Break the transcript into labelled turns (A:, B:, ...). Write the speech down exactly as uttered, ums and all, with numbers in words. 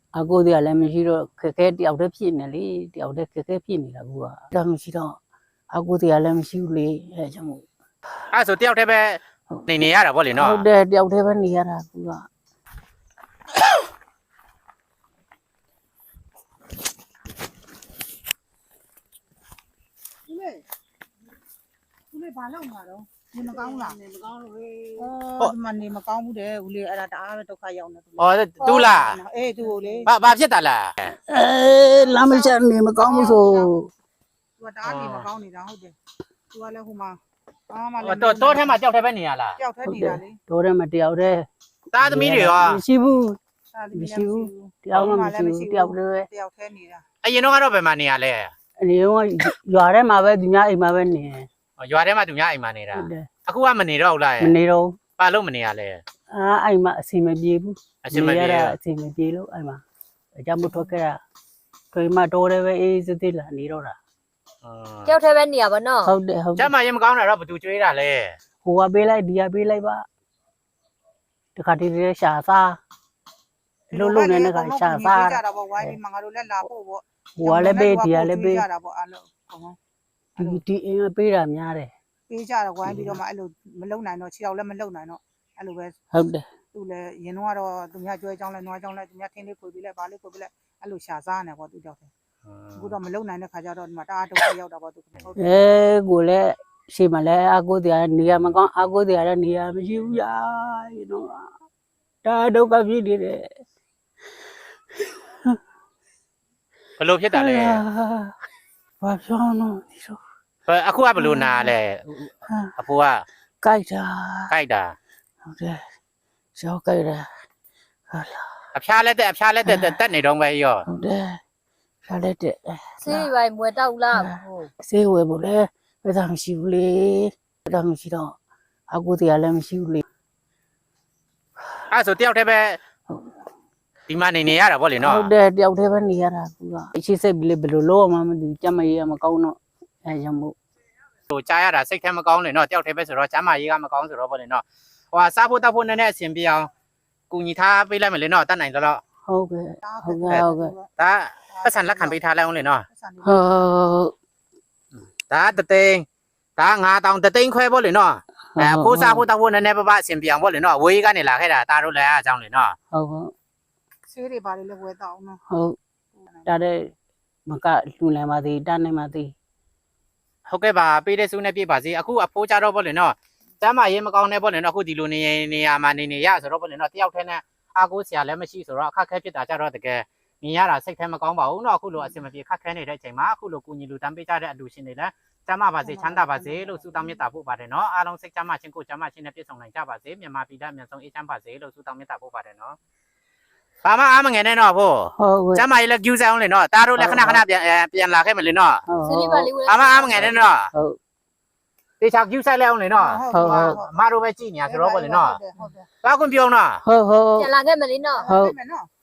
A: အကိုတွေကလည်းမရှိတော့ခက်ခဲတယောက်တည်းဖြစ်နေလေတယောက်တည်းခက်ခဲဖြစ်နေတာကူကဒါမရှိတော့အကိုတွေကလည်းမရှိဘူးလေအဲကြောင့်မို့
B: အဲ့ဆိုတယောက်တည်းပဲနေနေရတာဗောလေနော်
A: ဟုတ်တယ်တယောက်တည်းပဲနေရတာကူက
C: ဦးလေးဦးလေးဘာလုပ်မှာတော့နေမကောင်းလားနေမကောင်းလို့ဟေးဩဒီမှာနေမကောင်းဘူးတဲ့ဦးလေးအဲ့ဒါတအားပဲဒုက္ခရောက်နေ
B: ဩတူလား
C: အေးသူ့ကိုလေ
B: ဘာဘာဖြစ်တာလား
A: အဲလမ်းမချနေမကောင်းဘူးဆို
C: သူကတအားနေမကောင်းနေတာဟုတ်တယ်သူကလည်းဟိုမှာအာမလည်း
B: တော့တော့ထဲမှာတယောက်တည်းပဲနေရလား
C: တယောက်တည်းနေတာလေ
A: တော့တယ်မတယောက်တည်း
B: သားသမီးတွေရော
A: မရှိဘူးမရှိဘူးတယောက်မှမရှိဘူးတယောက်တည်းပဲ
C: တယောက်တည်းနေတာ
B: အရင်တော့ကတော့ဘယ်မှာနေရလဲ
A: အနေတော့ရွာထဲမှာပဲသူများအိမ်မှာပဲနေ
B: ရွာထဲမှာသူများအိမ်မှာနေတာအခုကမနေတော့ဘူးလား
A: မနေတော့
B: ဘာလို့မနေရလဲ
A: အာအိမ်မှာအစီမပြေဘူး
B: အစီမပြေ
A: အစီမပြေလို့အိမ်မှာအကြောင်းမထွက်ခဲ့တာခွေးမတော်တယ်ပဲအေးစစ်စစ်လာနေတော့တာ
D: ကြောက်ထဲပဲနေရပါနော်
A: ဟုတ်တယ်ဟုတ်
B: ကျမရင်မကောင်းတာတော့ဘသူကျွေးတာလဲ
A: ဟိုကပေးလိုက်ဒီကပေးလိုက်ပါတခါတည်းတည်းရှာစားလုံးလုံးနဲ့ကရှာစား
C: ကြတာပေါ့ဝိုင်းဒီမှာငါတို့လည်းလာဖို့ပေါ့
A: ဟိုကလည်းပေးဒီကလည်းပေး
C: ကြတာပေါ့အဲ့လို
A: ဒီဒီအင်းပေးတာများတယ်
C: ပေးကြတော့ဝိုင်းပြီးတော့မှအဲ့လိုမလုံနိုင်တော့ခြေောက်လည်းမလုံနိုင်တော့အဲ့လိုပဲ
A: ဟုတ်တယ်
C: သူလည်းရင်တော့ကတော့သူများကြွဲကြောင်းလဲနွားကြောင်းလဲသူများထင်းလေးခွေပြီးလဲဗာလေးခွေပြီးလဲအဲ့လိုရှာစားနေပေါ့သူကြောက်တယ်အခုတော့မလုံနိုင်တဲ့ခါကျတော့ဒီမှာတအားဒုက္ခရောက်တာပေါ့သူ
A: ဟုတ်တယ်အဲကိုလည်းရှေ့မှာလည်းအကိုတရားနေရာမကောင်းအကိုတရားလည်းနေရာမရှိဘူးရာyou know ဒါဒုက္ခဖြစ်နေတယ်
B: ဘလို့ဖြစ်တာလဲ
A: ဘာပြောလို့ဒီလို
B: အခုကဘလို့နာလဲအဖိုးက
A: ကြိုက်တာ
B: ကြိုက်တာ
A: ဟုတ်တယ်ကြောက်ကြိုက်တာဟာ
B: လာအဖျားလက်တက်အဖျားလက်တက်တက်နေတော့ပဲရော
A: ဟုတ်တယ်ဖျားလက်တက်
D: ဆေးရိုင်မွေတောက်လား
A: ဟုတ်ဆေးဝယ်ဖို့လဲဘယ်သာမရှိဘူးလေဘယ်သာမရှိတော့အကူတရားလည်းမရှိဘူးလေ
B: အဲ့ဆိုတယောက်တည်းပဲဒီမှာနေနေရတာဗောလေနော်
A: ဟုတ်တယ်တယောက်တည်းပဲနေရတာကူကအရှိစိတ်ပြီးလေဘယ်လိုလုပ်မှမသိကြမ်းမရေးမကောင်းတော့အဲကြောင့်မို့
B: ဟိုကြားရတာစိတ်ထဲမကောင်းလေနော်တယောက်တည်းပဲဆိုတော့ကျမ်းမာရေးကမကောင်းဆိုတော့ဗောလေနော်ဟိုဟာစားဖို့တောက်ဖို့နည်းနည်းအဆင်ပြေအောင်ကူညီထားပေးလိုက်မယ်လေနော်တတ်နိုင်တော့
A: ဟုတ်ကဲ့ဟုတ်ကဲ့ဟုတ်ကဲ့
B: ဒါပတ်စံလက်ခံပေးထားလိုက်အောင်လေနော်
A: ဟုတ်
B: ဒါတသိန်းဒါငါးတောင်တသိန်းခွဲဗောလေနော်အဲဖိုးစားဖို့တောက်ဖို့နည်းနည်းပပအဆင်ပြေအောင်ဗောလေနော်ဝေးကနေလာခဲ့တာဒါတို့လည်းအားကြောင်းလေနော်
A: ဟုတ်ဟုတ်
C: ဆေးတွေပါလေလည်းဝယ်တော့အောင်နော်
A: ဟုတ်ဒါတဲ့မကလူလမ်းပါသေးတန်းနေပါသေး
B: ဟုတ်ကဲ့ပါပေးတဲ့စုနဲ့ပြပါစေအခုအဖိုးကြတော့ဗောလေနော်ကျမ်းမာရေးမကောင်းတဲ့ဗောလေနော်အခုဒီလိုနေနေရာမှာနေနေရဆိုတော့ဗောလေနော်တယောက်တည်းနဲ့အားကိုးစရာလည်းမရှိဆိုတော့အခက်ခဲဖြစ်တာကြတော့တကယ်မြင်ရတာစိတ်ထဲမကောင်းပါဘူးနော်အခုလိုအဆင်မပြေခက်ခဲနေတဲ့အချိန်မှာအခုလိုကူညီလူတန်းပေးကြတဲ့အလူရှင်တွေလည်းကျမ်းမာပါစေချမ်းသာပါစေလို့ဆုတောင်းမေတ္တာပို့ပါတယ်နော်အားလုံးစိတ်ချမ်းသာခြင်းကိုကျမ်းမာခြင်းနဲ့ပြည့်စုံနိုင်ကြပါစေမြန်မာပြည်သားအမြတ်ဆုံးအေးချမ်းပါစေလို့ဆုတောင်းမေတ္တာပို့ပါတယ်နော်ဘာမှအားမငယ်နဲ့တော့ဖို့
A: ဟုတ်
B: ကျမ်းမာရေးလည်းကျူးစားအောင်လေနော်တားတို့လည်းခဏခဏပြန်ပြန်လာခဲ့မလေနော်
D: ဆေးလေးပါလေးဝယ်
B: ဘာမှအားမငယ်နဲ့တော့
A: ဟုတ်
B: တေချာကျူးစားလိုက်အောင်လေနော်
A: ဟုတ်ဟုတ်
B: အမတို့ပဲကြည်ညာဆိုတော့ဗောလေနော်ဘာကွန်ပြောင်းနော်
A: ဟုတ်ဟုတ်
D: ပြန်လာခဲ့မလေးနော်
A: ဟုတ်